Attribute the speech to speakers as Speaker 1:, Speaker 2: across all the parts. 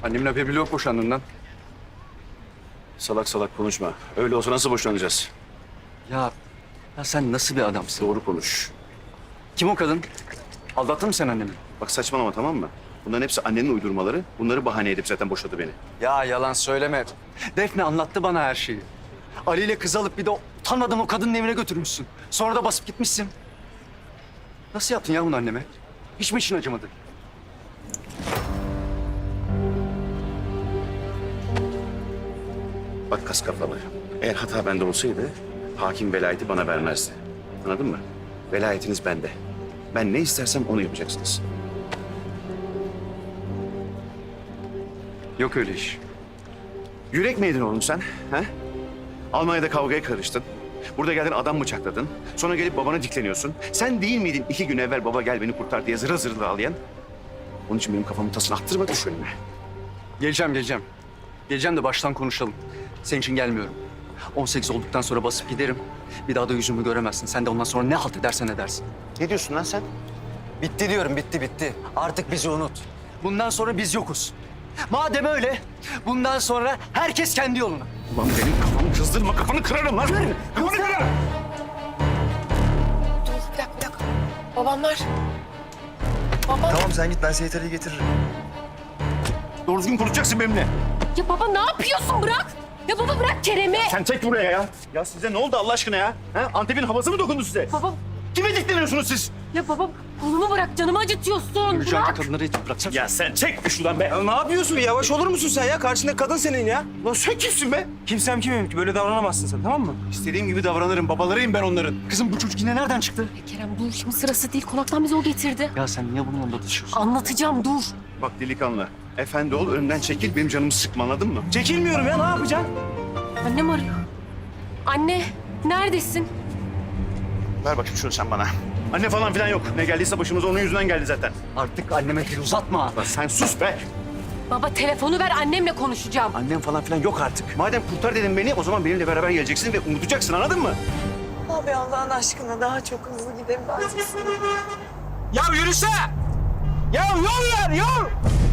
Speaker 1: Annemin haberi bile yok boşandığından.
Speaker 2: Salak salak konuşma. Öyle olsa nasıl boşanacağız?
Speaker 1: Ya sen nasıl bir adamsın?
Speaker 2: Doğru konuş.
Speaker 1: Kim o kadın? Aldattın mı sen annemi?
Speaker 2: Bak saçmalama, tamam mı? Bunların hepsi annenin uydurmaları. Bunları bahane edip zaten boşadı beni.
Speaker 1: Ya yalan söyleme. Defne anlattı bana her şeyi. Ali ile kız alıp bir de utanmadan o kadının evine götürmüşsün. Sonra da basıp gitmişsin. Nasıl yaptın ya bunu anneme? Hiç mi için acımadı?
Speaker 2: Bak kas kafalı. Eğer hata bende olsaydı hakim velayeti bana vermezdi. Anladın mı? Velayetiniz bende. Ben ne istersem onu yapacaksınız.
Speaker 1: Yok öyle iş.
Speaker 2: Yürek mi yedin oğlum sen? He? Almanya'da kavgaya karıştın. Burada geldin adam bıçakladın. Sonra gelip babana dikleniyorsun. Sen değil miydin 2 gün evvel baba gel beni kurtar diye zırıl zırıl ağlayan? Onun için benim kafamın tasını attırma, düş önüme.
Speaker 1: Geleceğim. Geleceğim de baştan konuşalım. Senin için gelmiyorum. 18 olduktan sonra basıp giderim. Bir daha da yüzümü göremezsin. Sen de ondan sonra ne halt edersen edersin.
Speaker 2: Ne diyorsun lan sen?
Speaker 1: Bitti diyorum, bitti. Artık bizi unut. Bundan sonra biz yokuz. Madem öyle, bundan sonra herkes kendi yoluna.
Speaker 2: Ulan benim kafamı kızdırma, kafanı kırarım lan. Kafanı kırarım.
Speaker 3: Dur bir dakika. Babamlar. Baba.
Speaker 4: Tamam sen git ben Seyit getiririm.
Speaker 2: Doğru düzgün konuşacaksın benimle.
Speaker 3: Ya baba ne yapıyorsun? Bırak. Ya baba bırak Kerem'i.
Speaker 2: Sen çek buraya ya. Ya size ne oldu Allah aşkına ya? Ha? Antep'in havası mı dokundu size?
Speaker 3: Baba.
Speaker 2: Kime dikleniyorsunuz siz?
Speaker 3: Ya baba kolumu bırak. Canımı acıtıyorsun.
Speaker 1: Yürüyeceğim
Speaker 3: Bırak.
Speaker 1: kadınları itip bıraksana.
Speaker 2: Ya sen çek şuradan be.
Speaker 4: Ya ne yapıyorsun? Yavaş olur musun sen ya? Karşında kadın senin ya.
Speaker 2: Lan sen kimsin be?
Speaker 4: Kimsem kimim ki? Böyle davranamazsın sen, tamam mı?
Speaker 2: İstediğim gibi davranırım. Babalarıyım ben onların.
Speaker 1: Kızım bu çocuk yine nereden çıktı?
Speaker 3: Ya Kerem dur şimdi sırası değil. Konaktan bizi o getirdi.
Speaker 1: Ya sen niye bununla anlatışıyorsun?
Speaker 3: Anlatacağım dur.
Speaker 2: Bak delikanlı. Efendi ol, önümden çekil. Benim canımı sıkma, anladın mı?
Speaker 4: Çekilmiyorum ya, ne yapacaksın?
Speaker 3: Annem arıyor. Anne neredesin?
Speaker 2: Ver bakayım şunu sen bana. Anne falan filan yok. Ne geldiyse başımıza onun yüzünden geldi zaten.
Speaker 1: Artık anneme dil uzatma.
Speaker 2: Lan sen sus be.
Speaker 3: Baba telefonu ver annemle konuşacağım.
Speaker 2: Annem falan filan yok artık. Madem kurtar dedin beni, o zaman benimle beraber geleceksin ve unutacaksın, anladın mı?
Speaker 5: Abi Allah'ın aşkına daha çok hızlı gidelim.
Speaker 4: Ya yürüse! Ya yol ver, yol!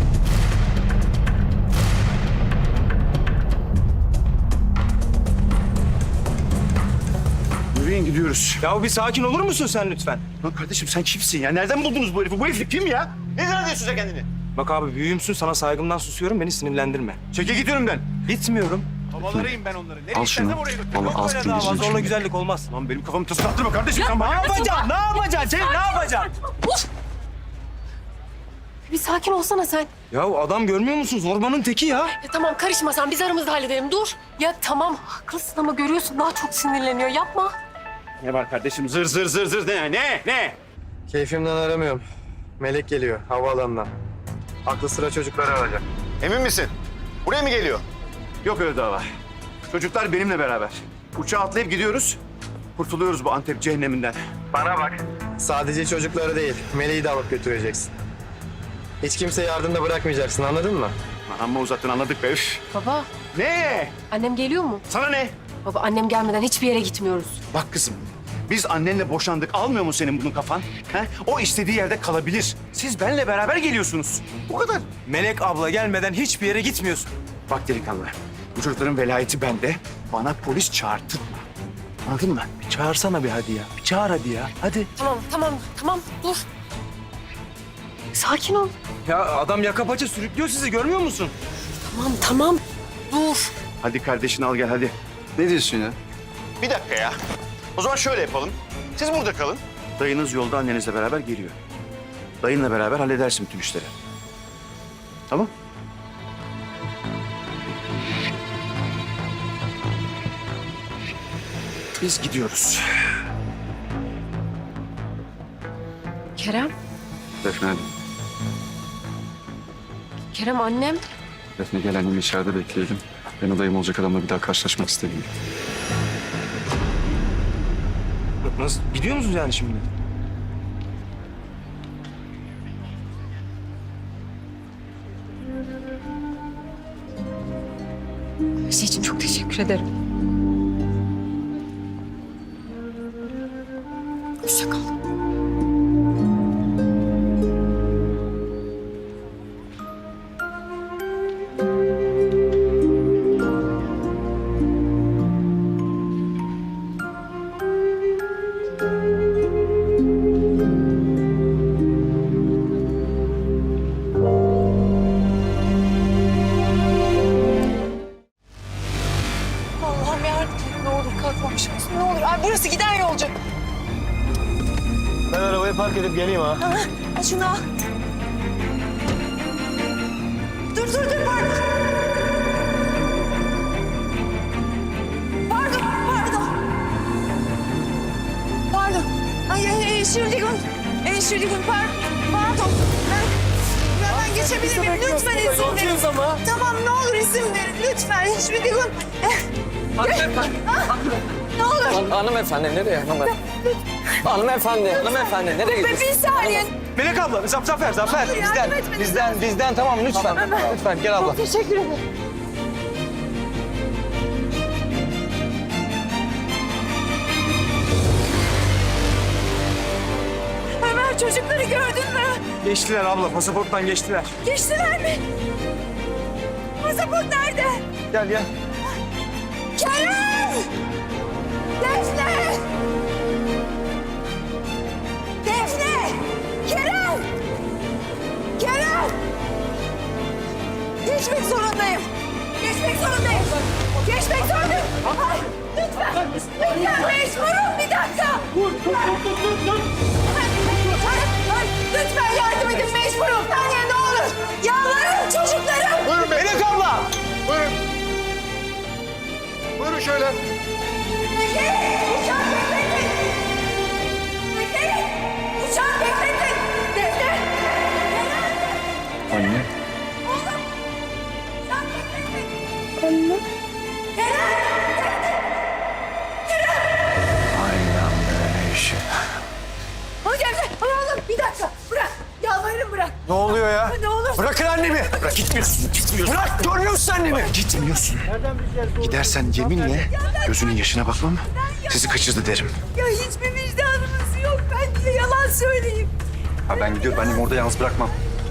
Speaker 2: Yürüyün gidiyoruz.
Speaker 4: Ya bir sakin olur musun sen lütfen?
Speaker 2: Lan kardeşim sen kimsin ya? Nereden buldunuz bu herifi? Bu herif kim ya? Ne zannediyorsun sen kendini?
Speaker 4: Bak abi büyüğümsün, sana saygımdan susuyorum, beni sinirlendirme.
Speaker 2: Çekil git önümden.
Speaker 4: Gitmiyorum.
Speaker 2: Babalarıyım ben onların. Nereye
Speaker 1: Al
Speaker 2: istersem
Speaker 1: şunu.
Speaker 2: oraya götür.
Speaker 1: Vallahi
Speaker 2: Yok
Speaker 1: az
Speaker 2: öyle
Speaker 1: kilo
Speaker 2: dava.
Speaker 1: yiyeceksin.
Speaker 4: Zorla güzellik olmaz.
Speaker 2: Lan benim kafamı tasını attırma kardeşim sen
Speaker 4: Ne
Speaker 2: bana.
Speaker 4: yapacaksın? Ne yapacaksın? Cem, ne yapacaksın?
Speaker 3: Uf! Bir sakin olsana sen.
Speaker 4: Ya adam görmüyor musun? Zorbanın teki ya.
Speaker 3: Ya tamam karışma sen biz aramızda halledelim dur. Ya tamam haklısın ama görüyorsun daha çok sinirleniyor yapma.
Speaker 2: Ne var kardeşim? Zır zır zır zır ne?
Speaker 6: Keyfimden aramıyorum. Melek geliyor havaalanından. Aklı sıra çocukları alacak.
Speaker 2: Emin misin? Buraya mı geliyor? Yok öyle dava. Çocuklar benimle beraber. Uçağa atlayıp gidiyoruz. Kurtuluyoruz bu Antep cehenneminden.
Speaker 6: Bana bak. Sadece çocukları değil, Meleği de alıp götüreceksin. Hiç kimseyi ardında bırakmayacaksın, anladın mı?
Speaker 2: Lan amma uzattın, anladık be. Üf.
Speaker 3: Baba
Speaker 2: Ne?
Speaker 3: annem geliyor mu?
Speaker 2: Sana ne?
Speaker 3: Baba annem gelmeden hiçbir yere gitmiyoruz.
Speaker 2: Bak kızım, biz annenle boşandık. Almıyor mu senin bunun kafan? He? O istediği yerde kalabilir. Siz benimle beraber geliyorsunuz. Bu kadar.
Speaker 4: Melek abla gelmeden hiçbir yere gitmiyorsun.
Speaker 2: Bak delikanlı, bu çocukların velayeti bende. Bana polis çağırtırma. Anladın mı?
Speaker 4: Bir çağırsana bir hadi ya. Bir çağır hadi ya. Hadi.
Speaker 3: Tamam dur. Sakin ol.
Speaker 4: Ya adam yaka paça sürüklüyor sizi, görmüyor musun?
Speaker 3: Tamam dur.
Speaker 2: Hadi kardeşini al gel hadi.
Speaker 1: Ne diyorsun ya?
Speaker 2: Bir dakika ya. O zaman şöyle yapalım. Siz burada kalın. Dayınız yolda annenizle beraber geliyor. Dayınla beraber halledersin bütün işleri. Tamam? Biz gidiyoruz.
Speaker 3: Kerem,
Speaker 1: Defne hadi.
Speaker 3: Kerem annem.
Speaker 1: Defne gel annemi içeride bekleyelim. Ben adayım olacak adamla bir daha karşılaşmak istemiyorum.
Speaker 4: Nasıl? Gidiyor musunuz yani şimdi?
Speaker 3: Her şey için çok teşekkür ederim. Hoşça kal.
Speaker 5: çocuğum. Pardon. Ben geçebilir miyim? Lütfen izin verin. Tamam ne olur izin verin. Lütfen hiçbir gün. Ne olur.
Speaker 7: Hanımefendi nereye hanımefendi nereye gidiyorsun?
Speaker 5: Bir saniye.
Speaker 4: Melek abla, Zafer.
Speaker 5: yardım etmeniz
Speaker 7: Bizden tamam lütfen. Lütfen gel abla.
Speaker 5: Teşekkür ederim. Ömer çocukları gördün mü?
Speaker 4: Geçtiler abla, pasaporttan geçtiler.
Speaker 5: Geçtiler mi? Pasaport nerede?
Speaker 4: Gel gel.
Speaker 5: Kerem! Defne! Defne! Kerem! Kerem! Geçmek zorundayım. Geçmek zorundayım. Geçmek zorundayım. Ay, lütfen. Lütfen mecburum bir dakika. Ay, lütfen yardım edin mecburum. Saniye ne olur. Yalvarırım çocuklarım.
Speaker 4: Melek abla!
Speaker 1: Buyurun şöyle.
Speaker 5: Uçak bekletin! Bekleyin! Uçak bekletin! Defne!
Speaker 2: Anne.
Speaker 5: Oğlum! Uçak bekletin! Anne?
Speaker 2: Aynen böyle işi.
Speaker 5: O Defne! Oğlum bir dakika! Bırak! Yalvarırım bırak!
Speaker 1: Ne oluyor ya?
Speaker 5: Ne olur!
Speaker 1: Bırakın annemi. Bırak gitmiyorsun. Bırak görüyor musun annemi?
Speaker 2: Gitmiyorsun. Gidersen yeminle gözünün yaşına bakmam. Sizi kaçırdı derim.
Speaker 5: Ya hiçbir vicdanınız yok. Ben niye yalan söyleyeyim?
Speaker 1: Ha ben gidiyorum. Annemi orada yalnız bırakmam.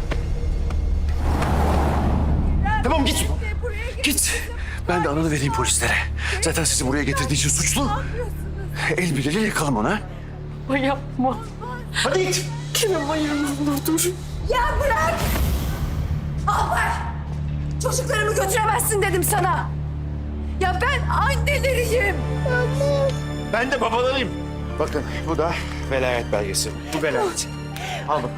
Speaker 2: Tamam git.
Speaker 5: Buraya gel.
Speaker 2: Git. Ben de ananı vereyim polislere. Zaten sizi buraya getirdiği için suçlu. El birliğiyle yakalım onu.
Speaker 3: Ama yapma.
Speaker 2: Hadi git.
Speaker 3: Kerem hayır ne olur dur.
Speaker 5: Ya bırak! Alpay! Çocuklarımı götüremezsin dedim sana. Ya ben anneleriyim.
Speaker 2: Ben de babalarıyım. Bakın bu da velayet belgesi. Bu velayet. Al bakalım.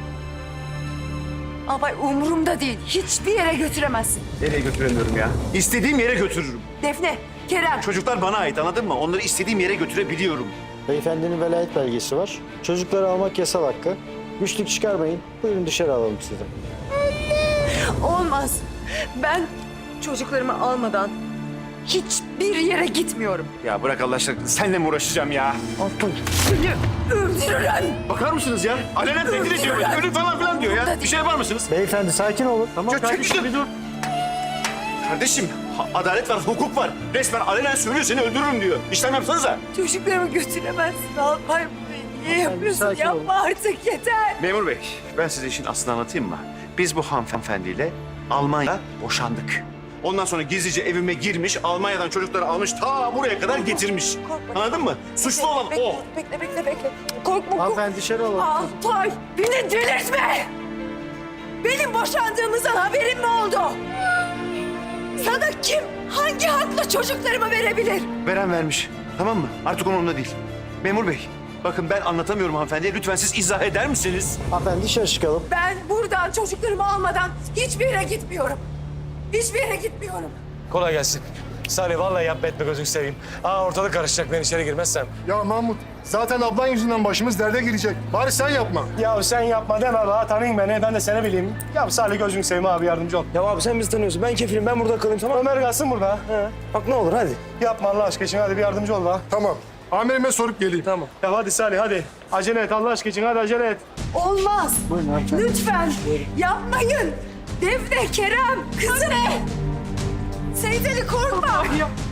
Speaker 5: Alpay umurumda değil. Hiçbir yere götüremezsin.
Speaker 2: Nereye götüremiyorum ya? İstediğim yere götürürüm.
Speaker 5: Defne, Kerem.
Speaker 2: Çocuklar bana ait anladın mı? Onları istediğim yere götürebiliyorum.
Speaker 8: Beyefendinin velayet belgesi var. Çocukları almak yasal hakkı. Güçlük çıkarmayın. Buyurun dışarı alalım sizi.
Speaker 5: Olmaz. Ben çocuklarımı almadan hiçbir yere gitmiyorum.
Speaker 2: Ya bırak Allah aşkına. Seninle mi uğraşacağım ya?
Speaker 5: Seni öldürürüm.
Speaker 2: Bakar mısınız ya? Alenen tehdit ediyor. Ölüm falan filan diyor ya. Bir şey yapar mısınız?
Speaker 8: Beyefendi sakin olun. Tamam
Speaker 2: Kardeşim bir dur. Kardeşim adalet var, hukuk var. Resmen alenen söylüyor seni öldürürüm diyor. İşlem yapsanıza.
Speaker 5: Çocuklarımı götüremezsin Alpay. Bunu niye yapıyorsun?
Speaker 8: sakin olun.
Speaker 5: Yapma artık yeter.
Speaker 2: Memur bey, ben size işin aslını anlatayım mı? Biz bu hanımefendiyle Almanya'da boşandık. Ondan sonra gizlice evime girmiş, Almanya'dan çocukları almış, ta buraya kadar getirmiş.
Speaker 5: Korkma.
Speaker 2: Anladın mı? Suçlu olan o.
Speaker 5: Bekle. Korkma.
Speaker 8: Hanımefendi dışarı alalım.
Speaker 5: Alpay beni delirtme. Benim boşandığımızdan haberin mi oldu? Sana kim, hangi hakla çocuklarımı verebilir?
Speaker 2: Veren vermiş. Tamam mı? Artık onunla değil. Memur bey, bakın ben anlatamıyorum hanımefendiye. Lütfen siz izah eder misiniz?
Speaker 8: Hanımefendi dışarı çıkalım.
Speaker 5: Ben buradan çocuklarımı almadan hiçbir yere gitmiyorum. Hiçbir yere gitmiyorum.
Speaker 9: Kolay gelsin. Salih vallahi yapma etme gözünü seveyim. Ortalık karışacak ben içeri girmezsem.
Speaker 10: Ya Mahmut, zaten ablan yüzünden başımız derde girecek. Bari sen yapma.
Speaker 9: Ya sen yapma deme be. Tanıyın beni. Ben de seni bileyim. Ya Salih gözünü seveyim abi yardımcı ol.
Speaker 4: Ya abi sen bizi tanıyorsun. Ben kefilim. Ben burada kalayım tamam mı?
Speaker 9: Ömer kalsın burada. He.
Speaker 4: Bak ne olur hadi.
Speaker 9: Yapma Allah aşkına için hadi bir yardımcı ol be.
Speaker 10: Tamam. Amirime sorup geleyim.
Speaker 9: Tamam. Ya hadi Salih hadi. Acele et Allah aşkına için hadi acele et.
Speaker 5: Olmaz. Lütfen yapmayın. Defne, Kerem, kızım. Seyiteli korkma.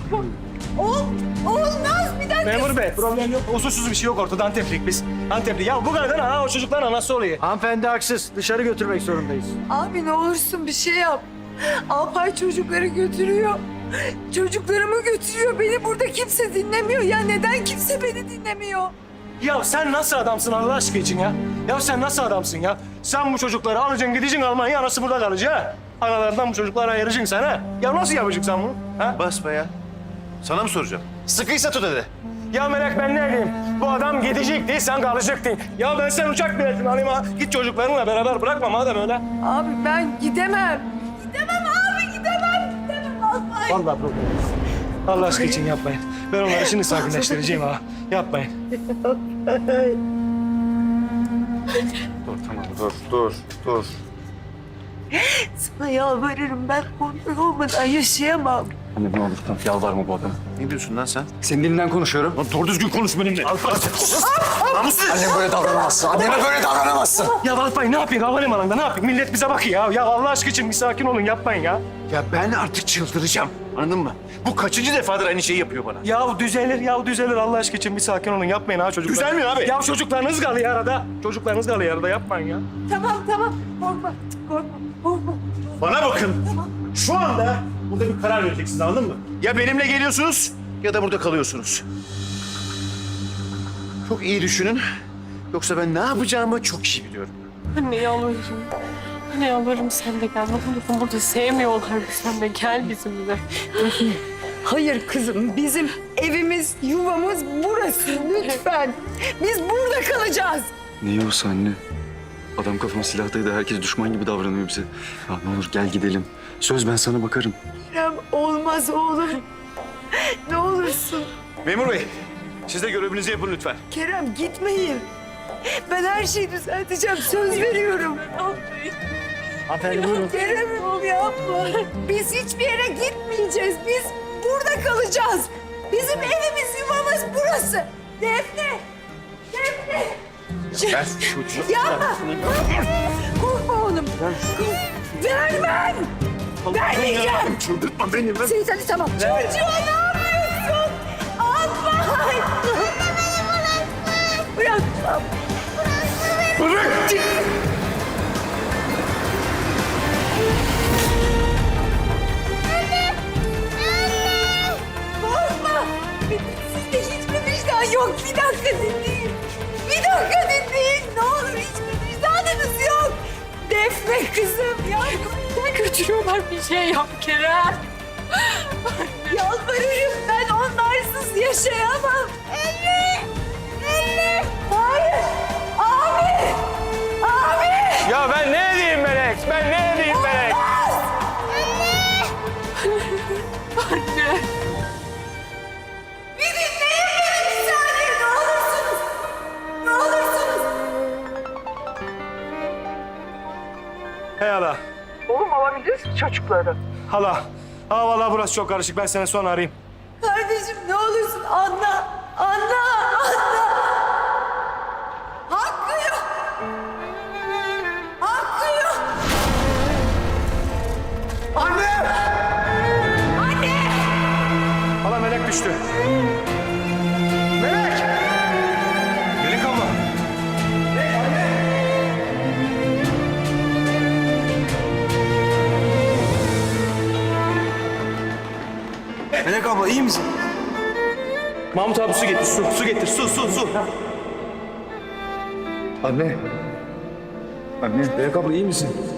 Speaker 5: Olmaz bir dakika.
Speaker 9: Memur bey problem yok. Usulsüz bir şey yok ortada. Anteplik biz. Antepli. Ya bu kadar o çocukların anası oluyor.
Speaker 8: Hanımefendi haksız. Dışarı götürmek zorundayız.
Speaker 5: Abi ne olursun bir şey yap. Alpay çocukları götürüyor. Çocuklarımı götürüyor. Beni burada kimse dinlemiyor. Ya neden kimse beni dinlemiyor?
Speaker 9: Ya sen nasıl adamsın Allah aşkına için ya? Ya sen nasıl adamsın ya? Sen bu çocukları alacaksın gideceksin Almanya'ya anası burada kalacak ha? Analarından bu çocukları ayıracaksın sen ha? Ya nasıl yapacaksın sen bunu? Ha?
Speaker 2: Basma ya. Sana mı soracağım? Sıkıysa tut hadi.
Speaker 9: Ya Melek ben ne diyeyim? Bu adam gidecekti sen kalacaktın. Ya ben sen uçak biletini alayım ha. Git çocuklarınla beraber bırakma madem öyle.
Speaker 5: Abi ben gidemem. Gidemem abi gidemem. Gidemem Alpay.
Speaker 9: Vallahi problem yok. Allah aşkına için yapmayın. Ben onları şimdi sakinleştireceğim ha. Yapmayın.
Speaker 2: Dur.
Speaker 5: Sana yalvarırım, ben onlar olmadan yaşayamam.
Speaker 1: Anne ne olur tamam yalvarma bu adama.
Speaker 2: Ne diyorsun lan sen?
Speaker 1: Senin dilinden konuşuyorum.
Speaker 2: Lan doğru düzgün konuş benimle.
Speaker 7: Annem böyle davranamazsın. Anneme böyle davranamazsın.
Speaker 9: Ya Alpay ne yapayım havalimanında ne yapayım? Millet bize bakıyor ya. Ya Allah aşkı için bir sakin olun yapmayın ya.
Speaker 2: Ya ben artık çıldıracağım. Anladın mı? Bu kaçıncı defadır aynı şeyi yapıyor bana.
Speaker 9: Ya düzelir Allah aşkı için bir sakin olun yapmayın ha çocuklar.
Speaker 2: Düzelmiyor abi.
Speaker 9: Ya çocuklarınız kalıyor arada. Çocuklarınız kalıyor arada yapmayın ya.
Speaker 5: Tamam, korkma.
Speaker 2: Bana bakın. Şu anda burada bir karar vereceksiniz anladın mı? Ya benimle geliyorsunuz ya da burada kalıyorsunuz. Çok iyi düşünün. Yoksa ben ne yapacağımı çok iyi biliyorum.
Speaker 3: Anne yalvarırım. Anne yalvarırım sen de gel. Ne olursun burada sevmiyorlar. Sen de gel bizimle.
Speaker 5: Hayır kızım, bizim evimiz, yuvamız burası. Lütfen. Biz burada kalacağız.
Speaker 1: Ne yiyorsa anne? Adam kafama silahtaydı. Herkes düşman gibi davranıyor bize. Ya ne olur gel gidelim. Söz ben sana bakarım.
Speaker 5: Kerem, olmaz oğlum. Ne olursun.
Speaker 2: Memur bey, siz de görevinizi yapın lütfen.
Speaker 5: Kerem, gitmeyin. Ben her şeyi düzelteceğim, söz veriyorum.
Speaker 4: Hanımefendi buyurun.
Speaker 5: Kerem'im yapma. Biz hiçbir yere gitmeyeceğiz. Biz burada kalacağız. Bizim evimiz, yuvamız burası. Defne!
Speaker 2: Ben çocuğum.
Speaker 5: Yapma! Korkma oğlum. Vermem! Vermeyeceğim!
Speaker 2: Çıldırtma beni.
Speaker 5: Seyit Ali tamam. Çocuğa ne yapıyorsun? Alpay! Bırakmam. Korkma! Sizde hiçbir vicdan yok. Bir dakika dinleyin. Ne olur hiçbir vicdanınız yok. Defne kızım ya.
Speaker 3: Götürüyorlar bir şey yap Kerem.
Speaker 5: Yalvarırım, ben onlarsız yaşayamam. Anne! Hayır! Abi!
Speaker 9: Ya ben ne edeyim Melek? Melek?
Speaker 3: Anne.
Speaker 5: Bir dinleyin beni bir saniye, ne olursunuz. Ne olursunuz.
Speaker 9: Hey hala.
Speaker 5: Oğlum alabilirsin çocukları.
Speaker 9: Hala. Vallahi burası çok karışık. Ben seni sonra arayayım.
Speaker 5: Kardeşim ne olursun anla. Hakkı yok.
Speaker 9: Hala Melek düştü. Melek abla.
Speaker 4: Melek abla iyi misin?
Speaker 9: Mahmut abi su getir, su getir, su.
Speaker 4: Anne. Melek abla iyi misin?